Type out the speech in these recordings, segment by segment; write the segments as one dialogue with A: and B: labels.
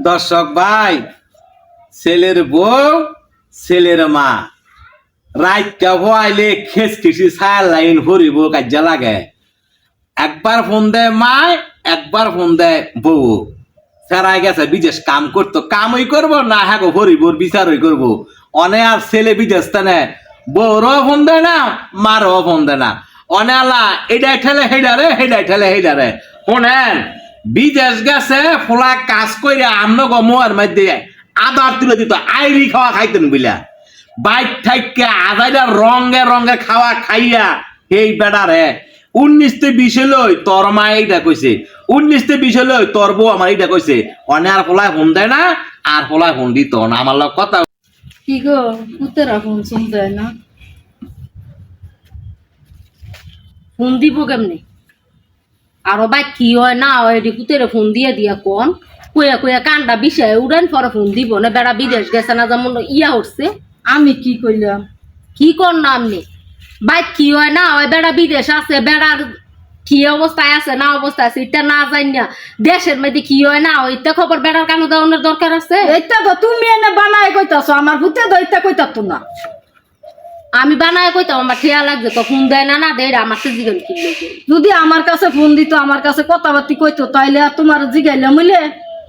A: দর্শক ভাই, ছেলের বউ ছেলের মা রাইকা হইলে খেসখিসি ছায়া লাইন হরিব কাজে লাগে। একবার ফোন দেয় মায়, একবার ফোন দেয় বউ। ফেরাই গেছে বিদেশ কাম করতো, কামই করবো না হ্যাঁ গো হরিবোর বিচারই করবো। অনে আর ছেলে বিদেশ তানে বউরও ফোন দেয় না, মারও ফোন দেয় না। অনে আলা এটাই ঠেলে হেডারে, হেডাই ঠেলে হেডারে। শোনেন, বিদেশ গেছে ফোলা কাজ করে আমনো গো মোয়ার মধ্যে আদার তুলে দিত, আইরি খাওয়া খাইতেন বুঝলা। বাইক থাইকে আদাইটা রঙে রঙে খাওয়া খাইয়া এই বেড়ারে 19-20 লই তোর মা এইটা কইছে, 19-20 লই তোর বউ আমার এইটা কইছে। অনে আর ফোলায় ফোন দেয় না, আর ফোলায় ফোন দিত না। আমার লোক কথা
B: কি গো পুতেরা ফোন শুনতে না, ফোন দিব কেমনি? আরো ভাই কি হয় না হয় এটি পুতেরা ফোন দিয়ে দিয়া কোন কইয়া কইয়া কান্ডা বিষয় উড়ান পরে ফোন দিব না। বেড়া বিদেশ গেছে না, যেমন ইয়া হচ্ছে।
C: আমি কি কইলাম?
B: কি কর না আপনি ভাই কি হয় না হয় বেড়া বিদেশ আছে, বেড়ার কি অবস্থায় আছে না অবস্থা আছে এটা না জানি না। দেশের মধ্যে কি হয় না হয় এটা খবর বেড়ার কানে দেওয়ানোর দরকার আছে।
C: এইটা তো তুমি এনে বানায় কইতাছো, আমার ভূতে তো এইটা কইতাতো না।
B: আমি বানায় কইতাম আমার ঠেয়া লাগছে তো ফোন দেয় না, না দেয় আমার তো জিগান কি লাগে।
C: যদি আমার কাছে ফোন দিত, আমার কাছে কথাবার্তি কইতো, তাইলে আর তোমার জিগাইলাম হইলে।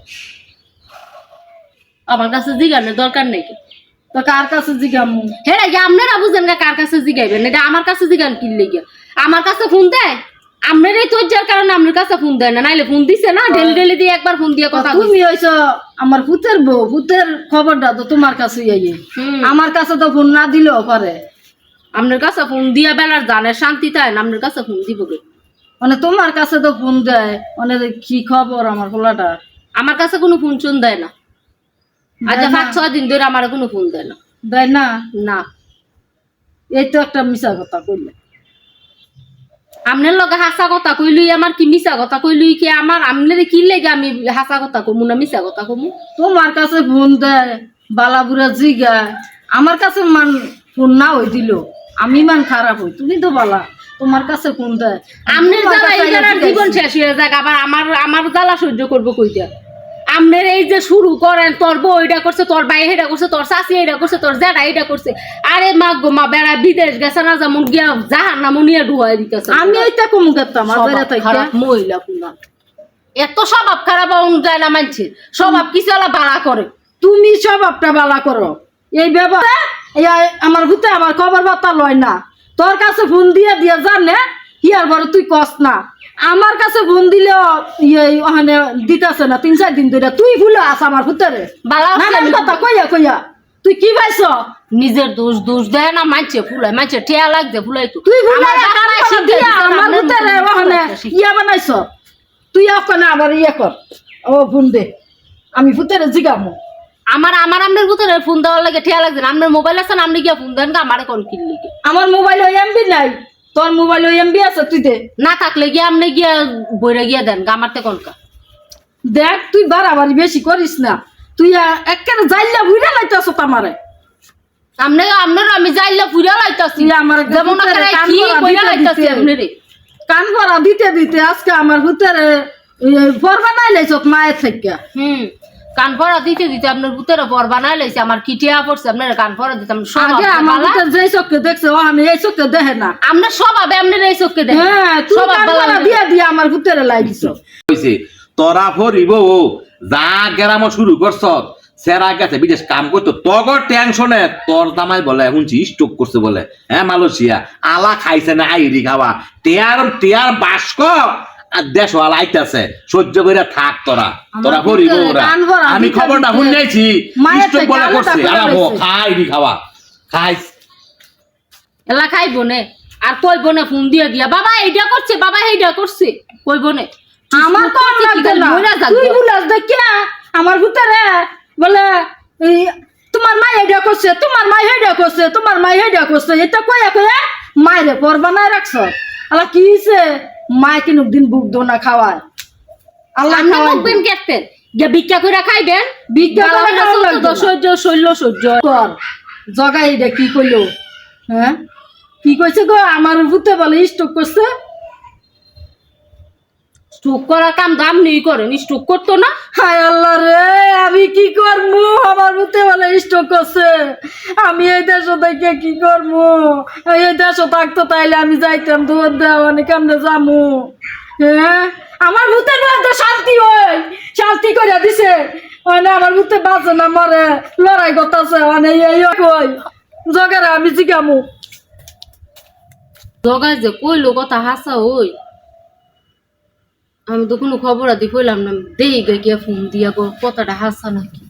B: আমার কাছে জিগানোর দরকার নেই।
C: তো কার কাছে জিগাম?
B: হ্যাঁ আপনারা বুঝেন না কার কাছে জিগাইবেন, এটা আমার কাছে জিগান কি লেগে। আমার কাছে ফোন দেয় আপনারই তো যার কারণে আপনার কাছে ফোন দেয় না, নাইলে ফোন দিছে না ডেলি ডেলি দিয়ে একবার ফোন দিয়ে কথা।
C: তুমি হইছো আমার ভূতের বউ, ভূতের খবরটা তো তোমার কাছে আইয়ে, আমার কাছে তো ফোন না দিলেও পারে।
B: আপনার কাছে ফোন দিয়া বেলার জানের শান্তি তাই না, আপনার কাছে ফোন দিব কে?
C: মানে তোমার কাছে তো ফোন দেয়, মানে কি খবর আমার পোলাটা?
B: আমার কাছে কোনো ফোন চুন দেয় না। আজ 5-6 দিন ধরে আমার কোনো ফোন দেয় না।
C: দেয় না?
B: না,
C: এই তো একটা মিছা কথা কইলে।
B: আপনার লগে হাসা কথা কইলুই আমার কি মিছা কথা কইলুই কি আমার? আপনার কি লেগে আমি হাসা কথা কমু না মিছা কথা কমু?
C: তোমার কাছে ফোন দেয় বালাবুরা জিগায়, আমার কাছে মান ফোন না হই দিল আমি মান খারাপ হই, তুমি তো বালা, তোমার কাছে ফোন দেয়।
B: আপনার জ্বালা ইজারার জীবন শেষ হয়ে যাক, আবার আমার জ্বালা সহ্য করবো কইটা? আপনার এই যে শুরু করেন তোর বউ এটা করছে, তোর ভাই এটা করছে, তোর শাশি এটা করছে, তোর জেঠা এটা করছে। আরে মা গো মা, বেড়া বিদেশ গেছে না যেমন গিয়া জাহার না মনিয়া ডুয়াই দিতেছে।
C: আমি এইটা কম করতাম
B: খারাপ মহিলা পুনা, এত স্বভাব খারাপ যায় না মানছে, স্বভাব কিছু আলা বাড়া করে।
C: তুমি স্বভাবটা বালা করো, এই ব্যাপারে আমার ভূতে আমার খবর বার্তা লয় না। তোর কাছে ফোন দিয়ে দিয়ে জানে হিয়ার বড় তুই কস না, আমার কাছে ফোন দিলেও ওখানে দিতেছে না 3-4 দিন ধরে। তুই ভুলে আস আমার ভূতেরে নানান কথা কইয়া কইয়া তুই কি পাইছ?
B: নিজের দোষ দোষ দেয় না মানছে ফুলাই, মানছে ঠেয়া লাগছে ফুলাই তো
C: তুই আমার ভূতেরে ওখানে ইয়া বানাইছ। তুই ওখানে আবার ইয়ে কর, ও ফোন দে, আমি ভূতেরে জিগামো।
B: আপনার ভিতরে ফোন দেওয়ার লাগে ঠেয়া লাগছে না। আপনার মোবাইল আছে না, আপনি গিয়া ফোন দেন আমার কোন কিনলি
C: আমার মোবাইল ওই এমবি নাই, তোর মোবাইল ওই এমবি আছে, তুই দে।
B: না থাকলে গিয়া আপনি গিয়া বইরে গিয়া দেন আমারতে কোনকা।
C: দেখ তুই বাড়াবাড়ি বেশি করিস না, তুই একেবারে যাইলা বুইরা লাইতাছ আমারে।
B: আপনার আমি যাইলা ফুইরা লাইতাছি,
C: আমার
B: যেমন কি কইরা লাইতাছি আপনারে
C: কান ভরা দিতে দিতে আজকে আমার ভিতরে পরবা নাই লাইছ মায়ের থেকে।
B: কান ভরা দিতে দিতে আপনার ভিতরে বর বানাই লাইছে। আমার কি টিয়া পড়ছে আপনার কান ভরা দিতে?
C: আগে আমার ভিতরে যে চোখে দেখছে ও আমি এই চোখে দেখে না।
B: আপনার স্বভাবে আপনার এই চোখে দেখে।
C: হ্যাঁ, তুই কান ভরা দিয়া দিয়া আমার ভিতরে লাই দিছ।
A: কইছে তোরা ফরিব যা গেরামো শুরু করছ। সেরা গেছে বিদেশ কাম করতো, তগর টেনশনে তোর জামাই বলে শুনছি স্ট্রোক করছে বলে, হ্যাঁ মালয়েশিয়া আলা খাইছে না আইরি খাওয়া। টিয়ার বাস্ক আর দেশ আইতাছে, সহ্য করে থাক তোরা, তোরা ফরিব ওরা। আমি খবরটা শুনেছি স্ট্রোক বলে করছে, আলাবো খাইরি খাওয়া খাইছ
B: এলা খাইব নে আর কইব না ফোন দিয়ে দিয়া বাবা এইটা করছে, বাবা এইটা করছে কইব না।
C: আমার তো লাগবে না, তুই বুলাস দেখিয়া আমার ভিতরে বলে তোমার মা এইটা করছে, তোমার মা এইটা করছে, তোমার মা এইটা করছে, এটা কইয়া কইয়া মায়েরে পর বানায় রাখছ। আল্লাহ কি হইছে, মায় কিনুক দিন বুক দোনা খাওয়ায়।
B: আল্লাহ খাওয়াবেন কেতেন যে ভিক্ষা করে খাইবেন,
C: ভিক্ষা করে খাওয়া
B: সহ্য শৈল সহ্য
C: কর। জগাই এটা কি কইলো? হ্যাঁ কি কইছে গো? আমার ভূতে বলে স্ট্রোক করছে।
B: স্ট্রোক করার কাম দাম নেই করেন, স্ট্রোক করতো না।
C: হায় আল্লাহ রে, আমি কি করবো? আমার ভূতে বলে স্ট্রোক করছে। আমি এই দেশে থেকে কি করবো? এই দেশে থাকতো তাইলে আমি যাইতাম দুধ দেওয়া অনেক কেমনে যামু। হ্যাঁ, আমার ভূতের মধ্যে শান্তি হয়, শান্তি করে দিছে। মানে আমার ভূতে বাঁচে না, মরে লড়াই করতেছে। মানে এই কই জগারে আমি জিগামু।
B: জগাই যে কইলো কথা হাসা ওই, আমি তো কোনো খবর আদি কইলাম না, দেই গে গিয়া ফোন দিয়া কথাটা হাসা নাকি।